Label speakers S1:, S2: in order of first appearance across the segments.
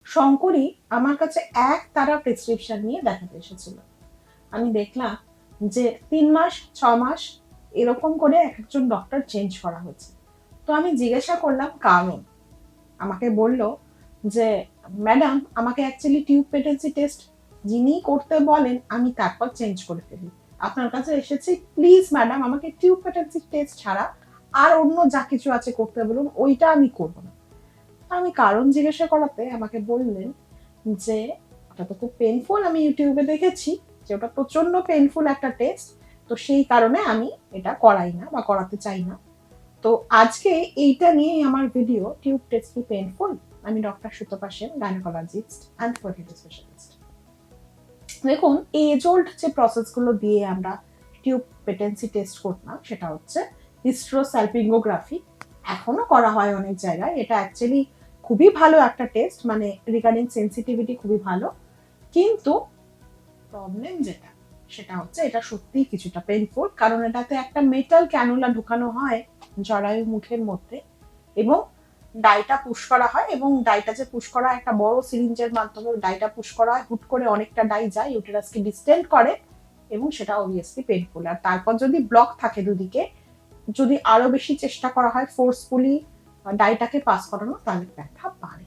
S1: শঙ্করী আমার কাছে এক তারা প্রেসক্রিপশন নিয়ে দেখাতে এসেছিল। আমি দেখলাম যে 3 মাস 6 মাস এরকম করে এক একজন ডক্টর চেঞ্জ করা হয়েছে। তো আমি জিজ্ঞাসা করলাম কারণ। আমাকে বলল যে ম্যাডাম আমাকে অ্যাকচুয়ালি টিউব পেটেন্সি টেস্ট যিনি করতে বলেন আমি তারপর চেঞ্জ করে ফেলি। আপনার কাছে এসেছি, প্লিজ ম্যাডাম আমাকে টিউব পেটেন্সি টেস্ট ছাড়া আর অন্য যা কিছু আছে করতে বলুন, ওইটা আমি করব না। আমি কারণ জিজ্ঞাসা করাতে আমাকে বললেন যে ওটা তো খুব পেইনফুল, আমি ইউটিউবে দেখেছি যে ওটা প্রচন্ড পেইনফুল একটা টেস্ট, তো সেই কারণে আমি এটা করাই না বা করাতে চাই না। তো আজকে এইটা নিয়েই আমার ভিডিও, টিউব টেস্ট কি পেইনফুল। আমি doctor Sutapa Sen, gynaecologist and fertility specialist. দেখুন, এজ ওল্ড যে প্রসেসগুলো দিয়ে আমরা টিউব পেটেন্সি টেস্ট করতাম সেটা হচ্ছে হিস্ট্রোস্যালপিঙ্গোগ্রাফি, এখনো করা হয় অনেক জায়গায়। এটা অ্যাকচুয়ালি খুবই ভালো একটা টেস্ট, মানে রিগার্ডিং সেন্সিটিভিটি খুবই ভালো, কিন্তু প্রবলেম যেটা সেটা হচ্ছে এটা সত্যিই কিছুটা পেইনফুল, কারণ এটাতে একটা মেটাল ক্যানুলা ঢুকানো হয় জরায়ু মুখের মধ্যে এবং ডাইটা পুশ করা হয়, এবং ডাইটা যে পুশ করা একটা বড় সিরিঞ্জের মাধ্যমে ডাইটা পুশ করা হয়, হুট করে অনেকটা ডাই যায়, ইউটেরাসকে ডিস্টেন্ড করে এবং সেটা অবভিয়াসলি পেইনফুল। আর তারপর যদি ব্লক থাকে দুদিকে, যদি আরো বেশি চেষ্টা করা হয় ফোর্সফুলি ডাইটাকে পাস করানো, তাহলে ব্যথা বাড়ে।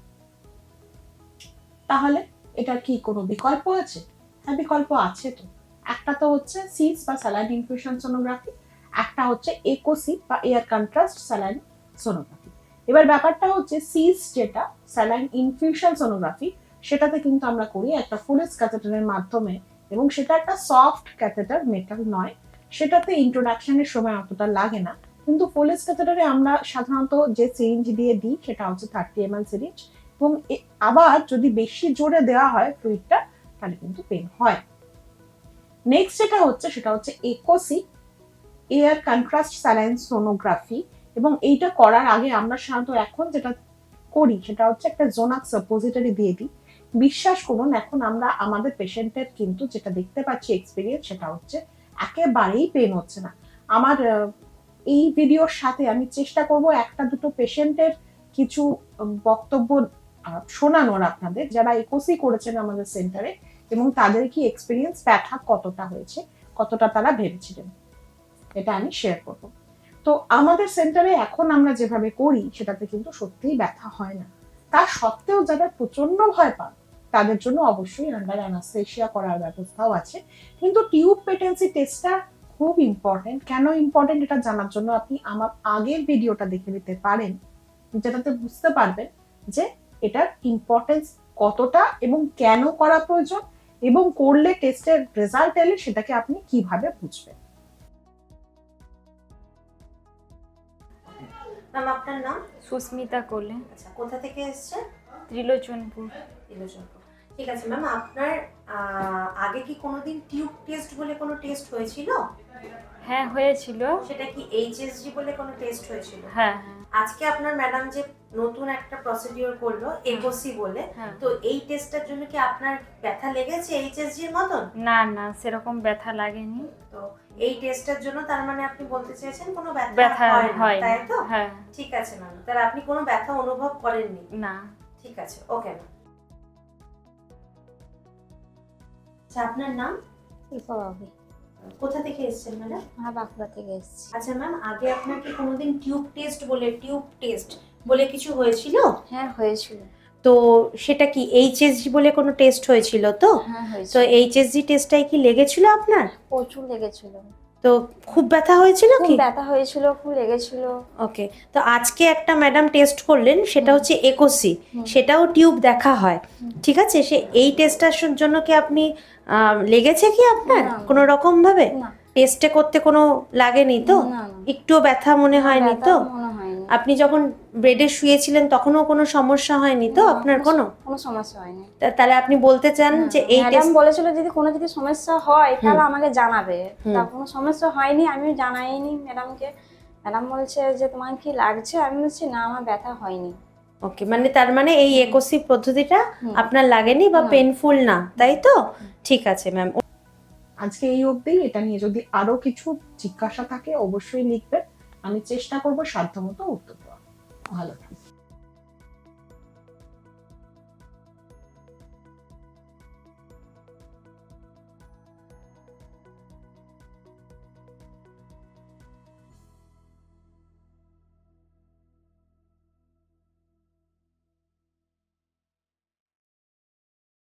S1: তাহলে এটার কি কোনো বিকল্প আছে? হ্যাঁ, বিকল্প আছে তো। একটা তো হচ্ছে সিস বা স্যালাইন ইনফিউশন সোনোগ্রাফি, একটা হচ্ছে একোসি বা এয়ার কন্ট্রাস্ট স্যালাইন সোনোগ্রাফি। এবার ব্যাপারটা হচ্ছে সিস যেটা স্যালাইন ইনফিউশন সোনোগ্রাফি, সেটাতে কিন্তু আমরা করি একটা ফুলেস ক্যাথেটারের মাধ্যমে, এবং সেটা একটা সফট ক্যাথেটার, মেটাল নয়। সেটাতে ইন্ট্রোডাকশনের সময় অতটা লাগে না, কিন্তু ফুলেস ক্যাথেটারে আমরা সাধারণত যে সিরিঞ্জ দিয়ে দিই সেটা হচ্ছে 30 ml সিরিঞ্জ, এবং আবার যদি বেশি জোরে দেওয়া হয় ফ্লুইডটা তাহলে কিন্তু পেন হয়। নেক্সট যেটা হচ্ছে সেটা হচ্ছে একোসি, এয়ার কন্ট্রাস্ট স্যালাইন সোনোগ্রাফি, এবং এইটা করার আগে আমরা সাধারণত এখন যেটা করি সেটা হচ্ছে একটা জোনাক সাপোজিটরি দিয়ে দিই। বিশ্বাস করুন, এখন আমরা আমাদের পেশেন্টের কিন্তু যেটা দেখতে পাচ্ছি এক্সপিরিয়েন্স, সেটা হচ্ছে একেবারেই পেন হচ্ছে না। আমার এই ভিডিওর সাথে আমি চেষ্টা করব একটা দুটো পেশেন্টের কিছু বক্তব্য শোনানোর আপনাদের, যারা একোসি করেছেন আমাদের সেন্টারে এবং তাদের কি এক্সপিরিয়েন্স, ব্যথা কতটা হয়েছে, কতটা তারা ভেবেছিলেন, এটা আমি শেয়ার করব। তো আমাদের সেন্টারে এখন আমরা যেভাবে করি সেটাতে কিন্তু সত্যিই ব্যথা হয় না। তার সত্ত্বেও যারা প্রচন্ড ভয় পান তাদের জন্য অবশ্যই আন্ডার অ্যানাস্থেসিয়া করার ব্যবস্থাও আছে। কিন্তু টিউব পেটেন্সি টেস্টটা খুব ইম্পর্টেন্ট। কেন ইম্পর্টেন্ট এটা জানার জন্য আপনি আমার আগের ভিডিওটা দেখে নিতে পারেন, যেটাতে বুঝতে পারবেন যে এটার ইম্পর্টেন্স কতটা এবং কেন করা প্রয়োজন, এবং করলে টেস্টের রেজাল্ট এলে সেটাকে আপনি কিভাবে বুঝবেন।
S2: ম্যাম আপনার নাম?
S3: সুস্মিতা কোলে।
S2: আচ্ছা, কোথা থেকে এসেছে?
S3: ত্রিলোচনপুর।
S2: ত্রিলোচনপুর। ঠিক আছে ম্যাম, আপনার আগে কি কোনোদিন টিউব টেস্ট বলে কোনো টেস্ট হয়েছিল?
S3: হ্যাঁ হয়েছিল।
S2: সেটা কি এইচএসজি বলে কোনো টেস্ট হয়েছিল?
S3: হ্যাঁ।
S2: আজকে আপনার ম্যাডাম যে নতুন একটা প্রসিডিওর করলো একোসি বলে, তো এই টেস্টের জন্য কি আপনার ব্যথা লেগেছে এইচএসজি এর মতন?
S3: না না, সেরকম ব্যথা লাগেনি।
S2: তো এই টেস্টের জন্য তার মানে আপনি বলতে চাইছেন কোনো
S3: ব্যথা
S2: হয় না, তাই তো?
S3: হ্যাঁ।
S2: ঠিক আছে ম্যাম, তাহলে আপনি কোনো ব্যথা অনুভব করেননি?
S3: না।
S2: ঠিক আছে, ওকে ম্যাম। আচ্ছা, আপনার নাম?
S4: শিল্পাবাবু।
S2: কোথা থেকে এসেছেন ম্যাডাম?
S4: হ্যাঁ, বাঁকুড়া থেকে এসেছি।
S2: আচ্ছা ম্যাম, আগে আপনার কি কোনোদিন টিউব টেস্ট বলে কিছু হয়েছিল?
S4: হ্যাঁ হয়েছিল।
S2: তো সেটা কি এইচএসজি বলে কোনো টেস্ট হয়েছিল তো?
S4: হ্যাঁ হয়েছিল।
S2: তো এইচএসজি টেস্টটাই কি লেগেছিল আপনার?
S4: প্রচুর লেগেছিল।
S2: তো খুব ব্যথা হয়েছিল
S4: খুব
S2: কি?
S4: ব্যথা হয়েছিল, খুব লেগেছিল।
S2: ওকে, তো আজকে একটা ম্যাডাম টেস্ট করলেন, সেটা হচ্ছে একোসি, সেটাও টিউব দেখা হয়, ঠিক আছে? সে এই টেস্টটার জন্য কি আপনি লেগেছে কি আপনার কোনো রকম ভাবে?
S4: না।
S2: টেস্টে করতে কোনো লাগেনি তো?
S4: না।
S2: একটুও ব্যথা মনে হয়নি তো?
S4: মনে হয়নি।
S2: আপনি যখন বেডে শুয়েছিলেন তখনও কোনো সমস্যা হয়নি তো আপনার? কোনো
S4: সমস্যা হয়নি।
S2: তাহলে আপনি বলতে চান যে এই
S4: ম্যাডাম বলেছিল যদি সমস্যা হয় তাহলে আমাকে জানাবে। তা কোনো সমস্যা হয়নি, আমি জানাইনি ম্যাডামকে। ম্যাডাম বলছে যে তোমার কি লাগছে, আমি বলছি না আমার ব্যথা হয়নি।
S2: ওকে, মানে তার মানে এই একোসি পদ্ধতিটা আপনার লাগেনি বা পেনফুল না, তাই তো? ঠিক আছে ম্যাম।
S1: আজকে এই অবধি। এটা নিয়ে যদি আরো কিছু জিজ্ঞাসা থাকে অবশ্যই লিখবেন, আমি চেষ্টা করব সাধ্যমতো উত্তর দেওয়ার। ভালো থাকবেন।